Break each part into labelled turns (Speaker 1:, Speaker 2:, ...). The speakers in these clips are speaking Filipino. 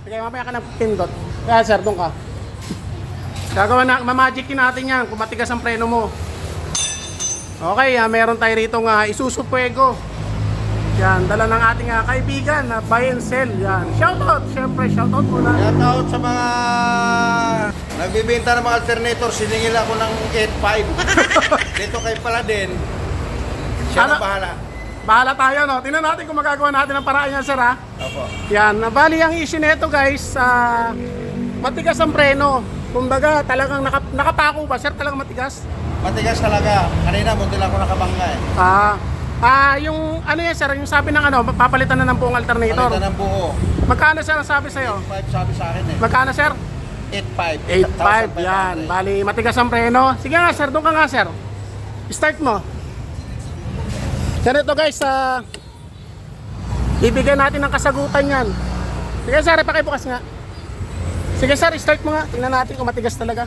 Speaker 1: Sige, mamaya ka ng pindot. Kaya sir, doon ka. Gagawa na, mamagicin natin yan kung matigas ang preno mo. Okay, meron tayo rito Isuzu Fuego. Yan, dala ng ating kaibigan na buy and sell. Yan, shoutout, syempre shoutout muna.
Speaker 2: Shoutout sa mga nagbibenta ng mga alternator, siningil ako ng 8.5. Dito kay Paladin. Siya
Speaker 1: Ano?
Speaker 2: na bahala.
Speaker 1: Bahala tayo, no? Tingnan natin kung magagawa natin ang paraan yan, sir, ha?
Speaker 2: Opo.
Speaker 1: Yan, bali ang issue nito, guys, matigas ang preno. Kumbaga, talagang nakapako ba, sir? Talagang matigas?
Speaker 2: Matigas talaga. Kanina, munti lang ako nakabangga eh.
Speaker 1: Yung ano yan, sir, yung sabi ng papalitan na ng buong alternator.
Speaker 2: Palitan ng buo.
Speaker 1: Magkano, sir, ang sabi sa'yo?
Speaker 2: 8.5 sabi sa akin eh.
Speaker 1: Magkano, sir?
Speaker 2: 8.5.
Speaker 1: 8.5, yan. Bali, matigas ang preno. Sige nga, sir, doon ka nga, sir. Start mo. Sir, ito guys, bibigyan natin ng kasagutan yan. Sige, sir, pakibukas nga. Sige, sir, start mo nga. Tingnan natin kung matigas talaga.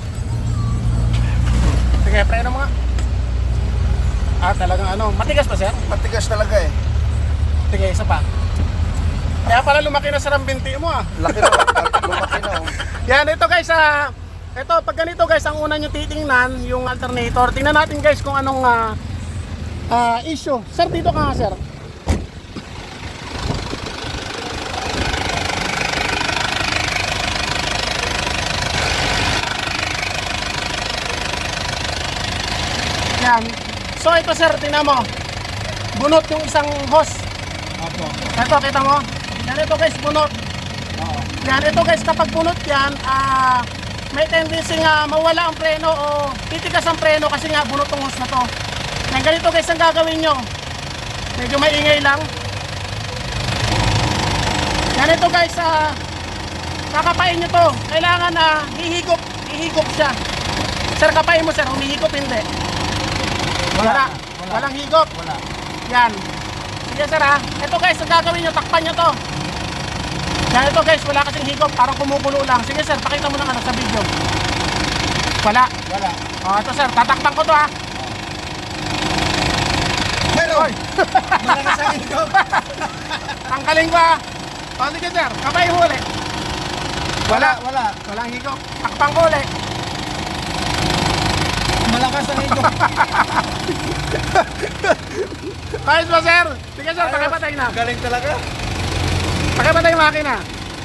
Speaker 1: Sige, preno mo nga. Talagang matigas pa, sir?
Speaker 2: Matigas talaga eh.
Speaker 1: Sige, isa pa. Kaya pala lumaki na sir ang binti mo,
Speaker 2: Laki na. Lumaki na oh.
Speaker 1: Yan, ito guys, ito, pag ganito guys, ang una nyo titingnan, yung alternator. Tingnan natin guys kung anong issue. Sir, dito ka nga, sir. Yan. So ito sir, tingnan mo. Bunot yung isang hose.
Speaker 2: Opo.
Speaker 1: Ito, kita mo? Yan, ito guys, bunot.
Speaker 2: Oo.
Speaker 1: Yan, ito guys, kapag bunot yan, may tendency nga mawala ang preno o titigas ang preno kasi nga bunot ang hose na to. Yan, ganito guys ang gagawin nyo. Medyo maingay lang. Yan, ito guys, kakapain nyo to. Kailangan hihigop siya. Sir, kapain mo sir, humihigop hindi. Wala. Walang higop.
Speaker 2: Wala.
Speaker 1: Yan. Sige sir ha. Ito guys, ang gagawin nyo, takpan nyo to. Yan, ito guys, wala kasing higop, parang kumukulo lang. Sige sir, pakita mo ng sa video. Wala.
Speaker 2: Wala.
Speaker 1: Ito sir, tatakpan ko to ha.
Speaker 2: Meron! Malakas ang higop.
Speaker 1: Tangkalin ko ha. Sige sir, kapay mo ulit.
Speaker 2: Wala. Wala.
Speaker 1: Walang higop. Takpan ko ulit.
Speaker 2: Malakas ang higop.
Speaker 1: Ayos ba sir? Sige sir, pakipatay na.
Speaker 2: Galing talaga.
Speaker 1: Pakipatay yung makina.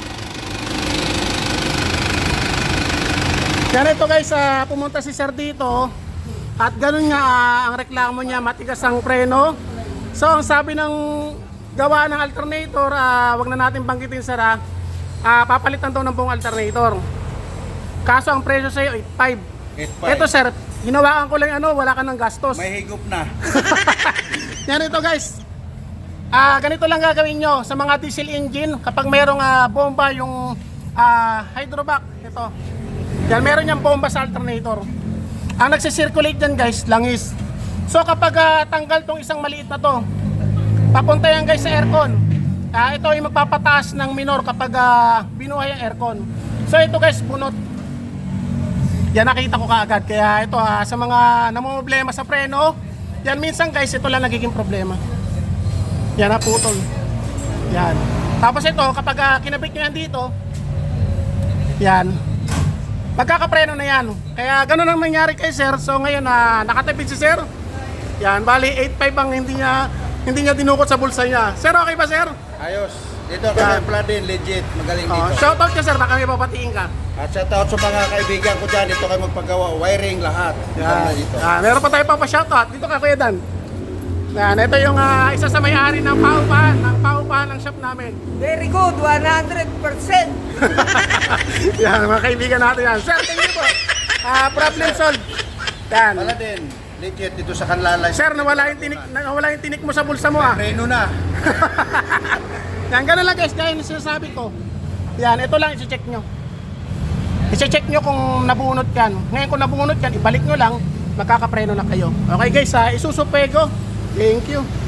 Speaker 1: Yan, ito guys, pumunta si sir dito. At ganun nga, ang reklamo niya, matigas ang preno. So, ang sabi ng gawa ng alternator, wag na natin banggitin sir, papalitan daw ng buong alternator. Kaso ang presyo sa'yo, 8.5.
Speaker 2: 8.5.
Speaker 1: Ito sir, hinawakan ko lang wala ka ng gastos.
Speaker 2: May higop na.
Speaker 1: Yan, ito guys. Ganito lang gagawin nyo sa mga diesel engine kapag mayroong bomba yung hydrovac. Ito. Yan, meron niyang bomba sa alternator. Ang nagsisirculate dyan guys, langis. So kapag tanggal tong isang maliit na to, papunta yan guys sa aircon. Ito yung magpapataas ng minor kapag binuhay ang aircon. So ito guys, bunot. Yan, nakita ko kaagad. Kaya ito sa mga namumblema sa preno, yan minsan guys, ito lang nagiging problema. Yan, putol. Yan. Tapos ito, kapag kinabit nyo yan dito, yan, magkakapreno na yan. Kaya ganun ang nangyari kay sir. So ngayon, nakatipid si sir. Yan, bali 8.5 ang hindi niya dinukot sa bulsa niya. Sir, okay ba sir?
Speaker 2: Ayos. Dito kami Paladin, legit. Magaling dito.
Speaker 1: Shoutout ka sir, baka may papatiin ka.
Speaker 2: At shoutout sa mga kaibigan ko dyan. Dito kayo magpagawa. Wiring lahat.
Speaker 1: Yan.
Speaker 2: Dito.
Speaker 1: Meron pa tayo pa-shoutout. Dito ka, Kuya Dan. Yan, ito yung isa sa may-ari ng paupahan ng shop namin.
Speaker 3: Very good, 100%.
Speaker 1: Yan, mga kaibigan natin yan. Sir, thank you po. Problem solved. Yan.
Speaker 2: Paladin, legit dito sa Kanlalay.
Speaker 1: Sir, nawala yung tinik mo sa bulsa mo
Speaker 2: Preno na.
Speaker 1: Yan, ganun lang guys, gaya yung sinasabi ko. Yan, ito lang, isi-check nyo. I-check nyo kung nabunot yan. Ngayon kung nabunot yan, ibalik nyo lang, magkakapreno na kayo. Okay guys, Isuzu Fuego. Thank you.